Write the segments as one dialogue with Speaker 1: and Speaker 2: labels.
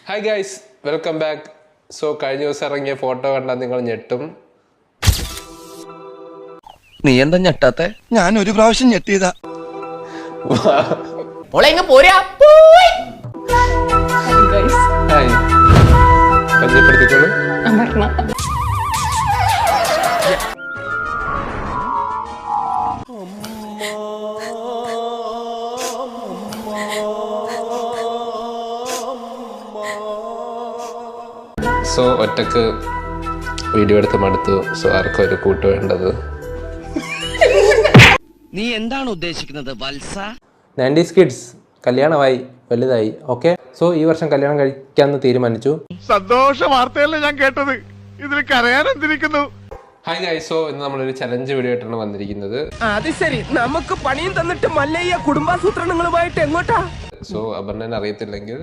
Speaker 1: Hi guys, welcome back. So കഴിഞ്ഞ ദിവസം ഇറങ്ങിയ ഫോട്ടോ കണ്ടാൽ നിങ്ങൾ ഞെട്ടും.
Speaker 2: നീ എന്താ ഞെട്ടാത്തെ?
Speaker 3: ഞാൻ ഒരു പ്രാവശ്യം ഞെട്ടിയതാ.
Speaker 1: ഹായ്, പരിചയപ്പെടുത്തിക്കോളൂ. സോ ഒറ്റക്ക് വീഡിയോ എടുത്ത് മടുത്തു. സോ ആർക്കും ഒരു കൂട്ട് വേണ്ടത്.
Speaker 2: നീ എന്താണ് ഉദ്ദേശിക്കുന്നത് വത്സ?
Speaker 1: 90s കിഡ്സ് കല്യാണമായി, വലുതായി. ഓക്കെ, സോ ഈ വർഷം കല്യാണം കഴിക്കാമെന്ന് തീരുമാനിച്ചു.
Speaker 3: സന്തോഷ വാർത്തയല്ലേ ഞാൻ കേട്ടത്, ഇതിൽ കരയാൻ എന്തിരിക്കുന്നു.
Speaker 1: ഹായ് ഗൈസ്, സോ ഇന്ന് നമ്മളൊരു ചലഞ്ച് വീഡിയോ ആയിട്ടാണ് വന്നിരിക്കുന്നത്.
Speaker 4: അത് ശരി, നമുക്ക് പണിയും തന്നിട്ട് മല്ലയ്യ കുടുംബാസൂത്രണങ്ങളുമായിട്ട് എങ്ങോട്ടാ?
Speaker 1: സോ അപർണനെ അറിയത്തില്ലെങ്കിൽ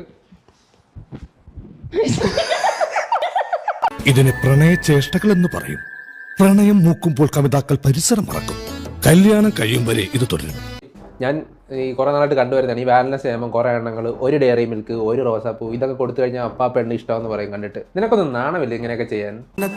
Speaker 5: ഇതിനെ പ്രണയചേഷ്ടകൾ എന്ന് പറയും. പ്രണയം മൂക്കുമ്പോൾ കവിതാക്കൾ പരിസരം മറക്കും. കല്യാണം കഴിയും വരെ ഇത് തുടരും.
Speaker 1: ഞാൻ ഈ കുറേ നാളായിട്ട് കണ്ടുവരുന്നതാണ് ഈ വാലൻസ് നിയമം. കുറേ എണ്ണങ്ങൾ ഒരു ഡയറി മിൽക്ക്, ഒരു റോസാപ്പൂ ഇതൊക്കെ കൊടുത്തു കഴിഞ്ഞാൽ അപ്പാ പെണ്ണ് ഇഷ്ടമെന്ന് പറയും. കണ്ടിട്ട് നിനക്കൊന്നും നാണമില്ല ഇങ്ങനെയൊക്കെ ചെയ്യാൻ?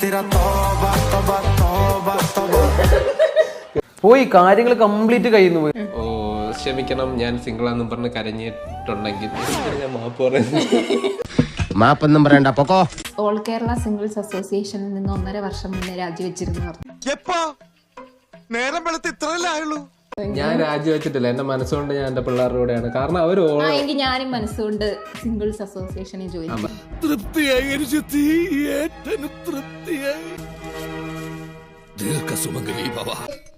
Speaker 6: പോയി കാര്യങ്ങൾ കംപ്ലീറ്റ് കഴിയുന്നു പോയി.
Speaker 1: ഓ ക്ഷമിക്കണം, ഞാൻ സിംഗിളാന്നും പറഞ്ഞ് കരഞ്ഞിട്ടുണ്ടെങ്കിൽ ഞാൻ മാപ്പ് പറയുന്നു.
Speaker 2: മാപ്പൊന്നും പറയണ്ട, പൊക്കോ.
Speaker 7: ഓൾ കേരള സിംഗിൾസ് അസോസിയേഷനിൽ നിന്ന് 1.5 വർഷം മുന്നേ രാജിവെച്ചിരുന്നു പറഞ്ഞു.
Speaker 3: നേരം വെളുത്ത് ഇത്രയല്ലേ ആയുള്ളൂ.
Speaker 1: ഞാൻ രാജിവെച്ചിട്ടില്ല, എന്റെ മനസ്സുകൊണ്ട് ഞാൻ എന്റെ പിള്ളേരുടെ കൂടെയാണ്. കാരണം അവർ
Speaker 7: എങ്കിൽ ഞാനും മനസ്സുകൊണ്ട് സിംഗിൾസ് അസോസിയേഷനിൽ ജോയിൻ ചെയ്തു.
Speaker 5: തൃപ്തിയായി തൃപ്തിയായി. ദീർഘസുമംഗലി ഭവ.